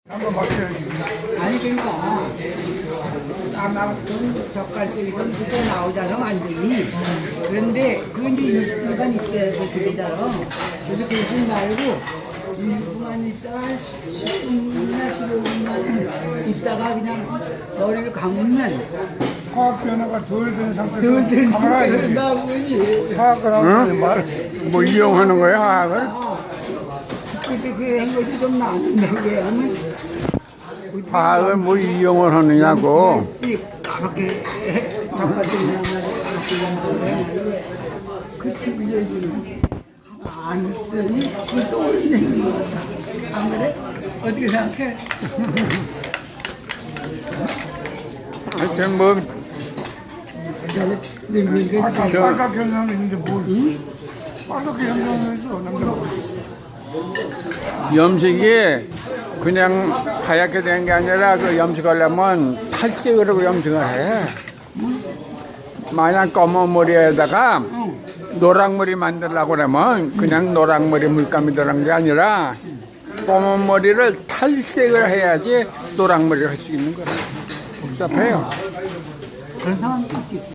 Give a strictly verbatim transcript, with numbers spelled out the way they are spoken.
한번 맡겨야지. 아니 그러니까 까맣든 젓갈색이든 그때 나오잖아 완전히. 그런데 그 이제 이십 분간 있어야 되잖아. 그래서 그러지 말고 이십 분만 있다가 십 분이나 십오 분만 있다가 그냥 머리를 감으면 화학 변화가 덜 된 상태에서 덜 되는 감아야지. 나오지. 화학을 하면 말. 뭐 이용하는 거야, 화학을? 그때 그 한 것이 좀 나는데 왜 하면 화학을 뭐 이용을 하느냐고. 까맣게 젓갈색이나 그 친구들이 안 했더니 그또 오는 것 같아. 안 그래? 어떻게 생각해? 하여튼 뭐, 늙으니까 아까 저- 빨갛게 현상이 있는데 뭘? 빨갛게 현상을 했어, 남자가. 염색이 그냥 하얗게 된 게 아니라 그 염색하려면 탈색으로 염색을 해. 만약 검은 머리에다가 노랑머리 만들려고 그러면 그냥 노랑머리 물감이 들어간 게 아니라 검은 머리를 탈색을 해야지 노랑머리를 할 수 있는 거라. 복잡해요. 그런 사람도 있겠지.